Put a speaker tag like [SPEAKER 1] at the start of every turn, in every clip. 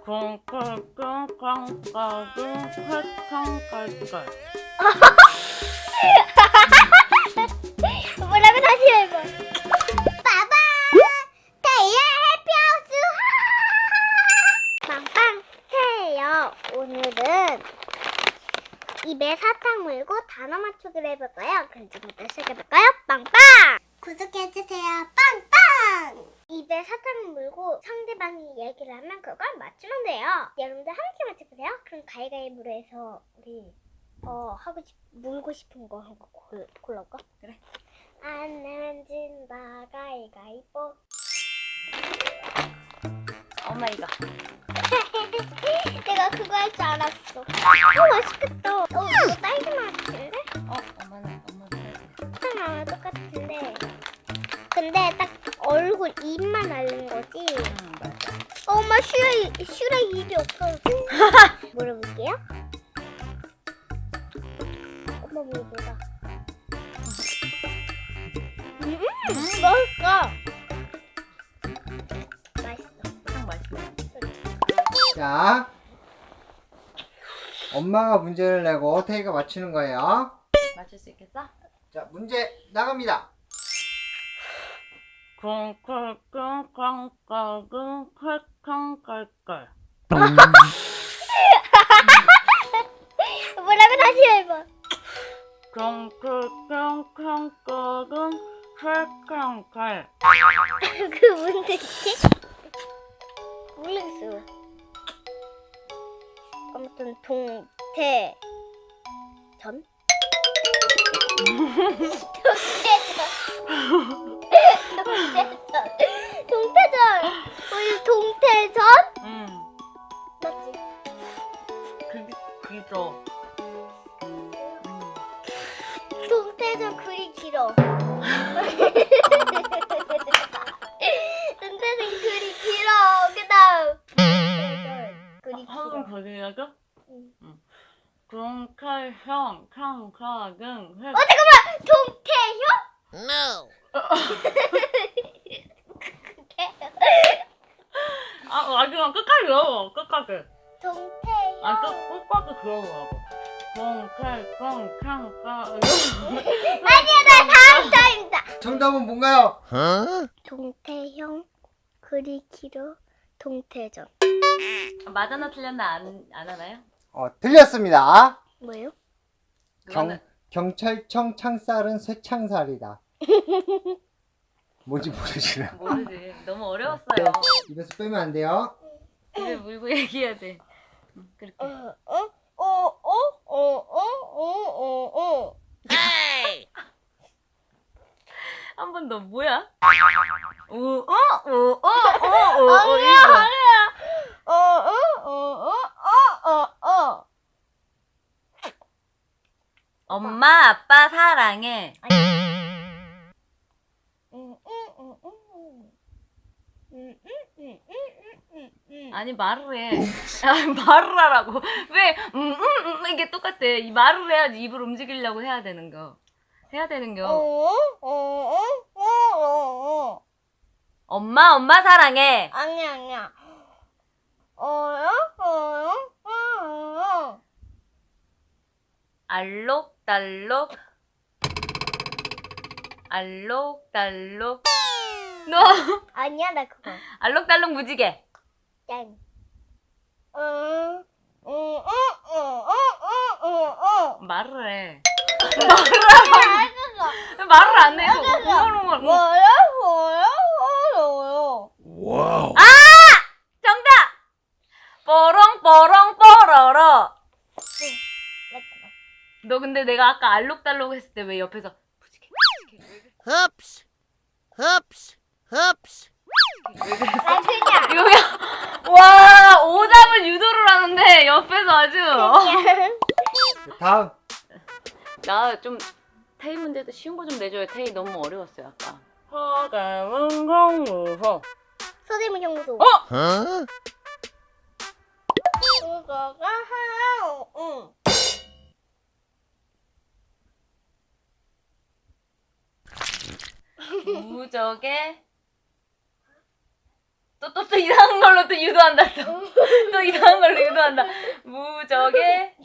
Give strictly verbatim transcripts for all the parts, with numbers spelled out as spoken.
[SPEAKER 1] 콩콩콩콩콩콩콩콩콩.
[SPEAKER 2] 뭐라고 다시 해봐. 빠밤 태야 해피하우스. 빵빵 태요. 오늘은 입에 사탕 물고 단어 맞추기를 해볼까요? 그럼 지금부터 시작해볼까요? 빵빵. 구독해주세요. 빵빵. 입에 사탕을 물고 상대방이 얘기를 하면 그걸 맞추면 돼요. 여러분들 함께 맞춰보세요. 그럼 가위가위보로 해서 우리 어 하고 싶 물고 싶은 거 한 거 골라올까?
[SPEAKER 1] 그래.
[SPEAKER 2] 안 내면 진다 가위가위보.
[SPEAKER 1] 엄마 이거.
[SPEAKER 2] 내가 그거 할 줄 알았어. 어 맛있겠다. 어 이거 딸기 맛 같은데?
[SPEAKER 1] 어 엄마는 엄마는.
[SPEAKER 2] 사탕 똑같은데. 근데 딱 얼굴 입만 다른 거지.
[SPEAKER 1] 응 맞아.
[SPEAKER 2] 어, 엄마 슈레 슈레 입이 없어. 물어볼게요. 엄마 물어보자. 음, 맛있어. 맛있어.
[SPEAKER 1] 사탕 맛있어.
[SPEAKER 3] 자, 엄마가 문제를 내고 태희가 맞추는 거예요.
[SPEAKER 1] 맞출 수 있겠어?
[SPEAKER 3] 자, 문제 나갑니다.
[SPEAKER 1] 콩콩콩콩콩콩콩콩콩.
[SPEAKER 2] 뭐라고 다시 해봐.
[SPEAKER 1] 콩콩콩콩콩콩콩콩.
[SPEAKER 2] 그 뭔 뜻이지? 모르겠어. 아무튼 동태 전? 동태전. 동태전. 동태전. 우리 동태전?
[SPEAKER 1] 응.
[SPEAKER 2] 맞지?
[SPEAKER 1] 그 그죠.
[SPEAKER 2] 동태전 글이 길어. 동태전 글이 길어. 그다음 동태전 글이
[SPEAKER 1] 한번
[SPEAKER 2] 길어.
[SPEAKER 1] 거기라고?
[SPEAKER 2] 응.
[SPEAKER 1] 응. 콩칼형 캉카근 회.
[SPEAKER 2] 어 잠깐만. 동태형?
[SPEAKER 4] No.
[SPEAKER 1] 아 마지막 끝까지 외워. 끝까지.
[SPEAKER 2] 동태형.
[SPEAKER 1] 아 끝 끝까지 그러더라고. 콩칼콩캉카.
[SPEAKER 2] 아니야 나 다음 타임이다.
[SPEAKER 3] 정답은 뭔가요?
[SPEAKER 4] Huh?
[SPEAKER 2] 동태형 글이 길어. 동태전.
[SPEAKER 1] 맞았나 틀렸나 안, 안 하나요?
[SPEAKER 3] 어, 틀렸습니다.
[SPEAKER 2] 뭐예요?
[SPEAKER 3] 경,
[SPEAKER 1] 그거는-
[SPEAKER 3] 경찰청 창살은 쇠창살이다. 뭔지 모르시나요?
[SPEAKER 1] 모르지. 너무 어려웠어요.
[SPEAKER 3] 입에서 빼면 안 돼요.
[SPEAKER 1] 입에 물고 얘기해야 돼. 응, 그렇게.
[SPEAKER 2] 어, 어, 어, 어, 어, 어, 어, 어.
[SPEAKER 4] Hey!
[SPEAKER 1] 한 번 더 뭐야? 오, 어, 오, 어, 어, 오, 어,
[SPEAKER 2] 아니야,
[SPEAKER 1] 이거.
[SPEAKER 2] 아니야. 어, 어, 어, 어, 어, 어, 어.
[SPEAKER 1] 엄마, 아빠 사랑해.
[SPEAKER 2] 음, 음, 음, 음. 음, 음, 음, 음, 음, 음.
[SPEAKER 1] 아니 말을 해. 아, 말을 하라고. 왜? 음, 음, 음 이게 똑같아. 이 말을 해야지 입을 움직이려고 해야 되는 거. 해야 되는
[SPEAKER 2] 어,
[SPEAKER 1] 거.
[SPEAKER 2] 어, 어, 어, 어, 어.
[SPEAKER 1] 엄마, 엄마 사랑해.
[SPEAKER 2] 아니야, 아니야. 어요, 어요, 어, 어.
[SPEAKER 1] 알록달록. 알록달록. 너
[SPEAKER 2] 아니야, 나 그거.
[SPEAKER 1] 알록달록 무지개.
[SPEAKER 2] 땡. 어, 어, 어, 어, 어, 어, 어.
[SPEAKER 1] 말을 해.
[SPEAKER 2] 알겠어.
[SPEAKER 1] 말을 안 해.
[SPEAKER 2] 알겠어.
[SPEAKER 1] 웅얼웅얼.
[SPEAKER 2] 뭐요, 뭐요, 뭐요.
[SPEAKER 4] Wow.
[SPEAKER 1] 정답! 뽀롱뽀롱 뽀로로.
[SPEAKER 2] 맞잖아.
[SPEAKER 1] 너 근데 내가 아까 알록달록 했을 때 왜 옆에서 무지개
[SPEAKER 4] Hoops. Hoops. Hoops.
[SPEAKER 2] 아, 그냥.
[SPEAKER 1] 이거 그냥 와 오답을 유도를 하는데 옆에서 아주
[SPEAKER 2] 그냥.
[SPEAKER 3] 다음.
[SPEAKER 1] 나 좀 테이 문제도 쉬운 거 좀 내줘요. 테이 너무 어려웠어요 아까. 허가문공무소.
[SPEAKER 2] 서대문 형무소.
[SPEAKER 1] 어?
[SPEAKER 4] Huh?
[SPEAKER 2] 그거가 하나, 응.
[SPEAKER 1] 무적의 또 또 또 이상한 걸로 또 유도한다 또. 또 이상한 걸로 유도한다. 무적의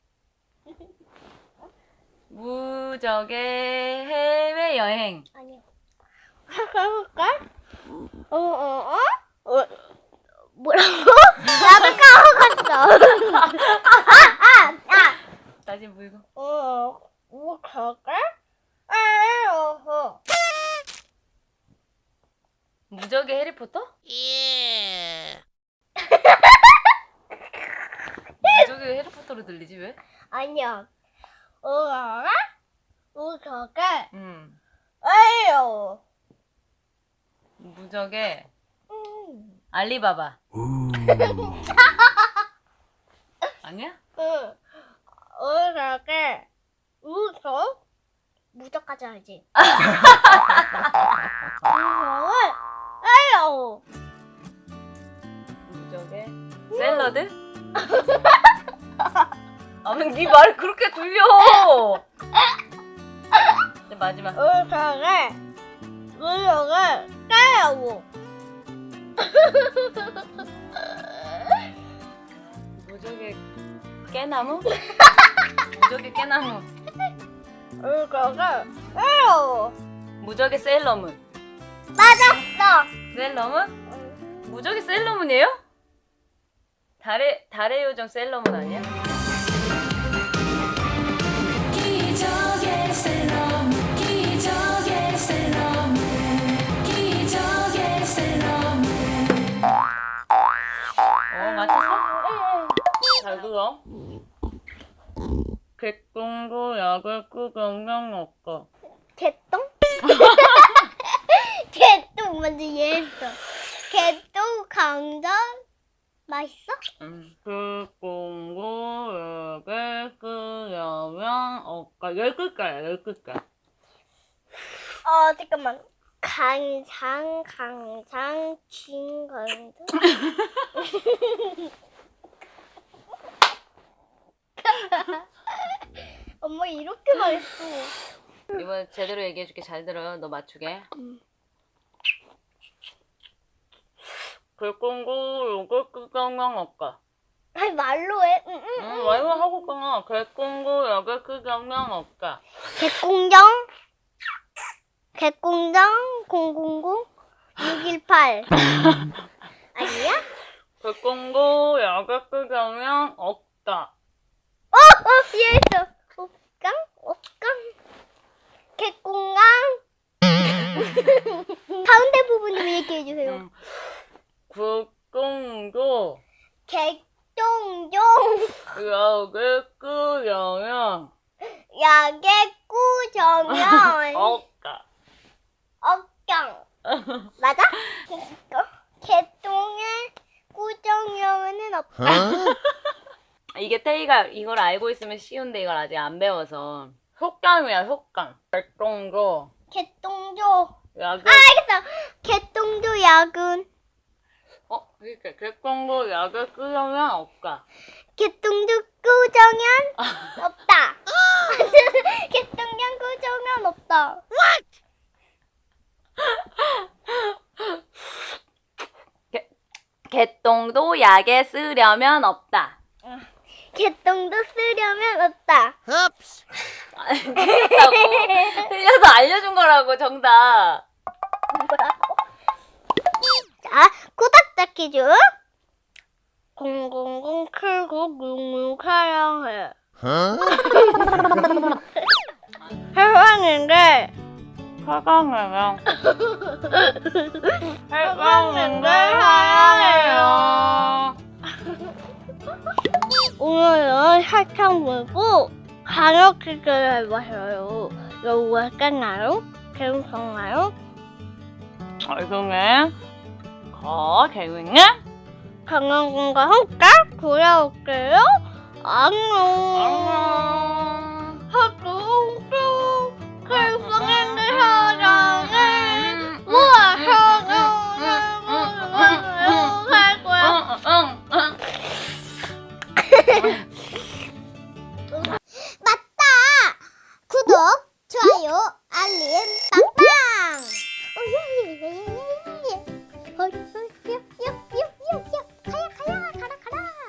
[SPEAKER 1] 무적의 해외 여행.
[SPEAKER 2] 아니요. 해볼까? 어, 어, 어? 어? 뭐라고? 나도 까먹었어. 아, 아, 아.
[SPEAKER 1] 다시 물고.
[SPEAKER 2] 어, 뭐 그럴까? 아, 어허.
[SPEAKER 1] 무적의 해리포터?
[SPEAKER 4] Yeah.
[SPEAKER 1] 무적의 해리포터로 들리지 왜?
[SPEAKER 2] 아니야. 어, 알아? 뭐 그럴까?
[SPEAKER 1] 음.
[SPEAKER 2] 아유.
[SPEAKER 1] 무적의
[SPEAKER 2] 음.
[SPEAKER 1] 알리바바. 아니야?
[SPEAKER 2] 응. 어, 그럴까? 무적? 무적까지 알지? 무적을 아유.
[SPEAKER 1] 무적의 샐러드? 아니 네 말이 그렇게 들려. 이제 마지막.
[SPEAKER 2] 어, 그럴까? 무적을 까요.
[SPEAKER 1] 무적의 깨나무? 무적의 깨나무.
[SPEAKER 2] 어, 그럴까? 아유.
[SPEAKER 1] 무적의 셀러문.
[SPEAKER 2] 맞았어.
[SPEAKER 1] 셀러문? 무적의 셀러문이에요? 달의 달의 요정 셀러문 아니야?
[SPEAKER 5] 기적의 셀러문 기적의 셀러문 기적의 셀러문
[SPEAKER 1] 어 맞췄어? 잘 들어. 객동도 약을 끄경량 없고.
[SPEAKER 2] 개똥? 개똥 먼저 이해했어. 개똥 강정 맛있어?
[SPEAKER 1] 응. 객동도 약을 끄경량 없고. 열 글자야 열 글자.
[SPEAKER 2] 어 잠깐만. 강장 강장 진강도. 엄마 이렇게 말했어.
[SPEAKER 1] 이번에 제대로 얘기해줄게. 잘 들어. 너 맞추게. 객동도 약을 끄경량 없고.
[SPEAKER 2] 아니 말로 해. 응, 응,
[SPEAKER 1] 응,
[SPEAKER 2] 응.
[SPEAKER 1] 말로 하고 끊어. 객동도 약을 끄경량 없고.
[SPEAKER 2] 개공정 개공정 공공공 육일팔 아니야?
[SPEAKER 1] 객동도 약을 끄경량 없다.
[SPEAKER 2] 어! 어! 이해했어. 옥강? 옥강? 개공강? 가운데 부분 좀 얘기해주세요.
[SPEAKER 1] 응. 객동도
[SPEAKER 2] 개똥종
[SPEAKER 1] 약을 끄경량
[SPEAKER 2] 약의 꾸정연
[SPEAKER 1] 없다.
[SPEAKER 2] 억경 맞아? 개똥의 꾸정연은 없다.
[SPEAKER 4] Huh?
[SPEAKER 1] 이게 태희가 이걸 알고 있으면 쉬운데 이걸 아직 안 배워서. 효감이야 효감. 객동도
[SPEAKER 2] 개똥조
[SPEAKER 1] 약을
[SPEAKER 2] 아 알겠어. 개똥조 약은
[SPEAKER 1] 어 이렇게 객동도 약을 끄경량 없다.
[SPEAKER 2] 개똥조 꾸정연 없다. 개똥연 꾸정연 없다.
[SPEAKER 1] 개똥도 약에 쓰려면 없다.
[SPEAKER 2] 개똥도 쓰려면 없다.
[SPEAKER 4] Oops.
[SPEAKER 1] 아니, 틀렸다고. 틀려서 알려준 거라고 정답.
[SPEAKER 2] 뭐라고? 자, 코닥자 퀴즈. 공공공 칠구육육 사랑해.
[SPEAKER 4] Huh?
[SPEAKER 2] 해방인데
[SPEAKER 1] 사랑해요.
[SPEAKER 2] 해방인데
[SPEAKER 1] 사랑해요.
[SPEAKER 2] 오늘은 사탕 물고 간호 퀴즈를 해봤어요. 이거 어땠나요? 재밌었나요?
[SPEAKER 1] 얼굴에 거 개윙해?
[SPEAKER 2] 강원군과 함께 돌아올게요. 안녕.
[SPEAKER 1] 안녕.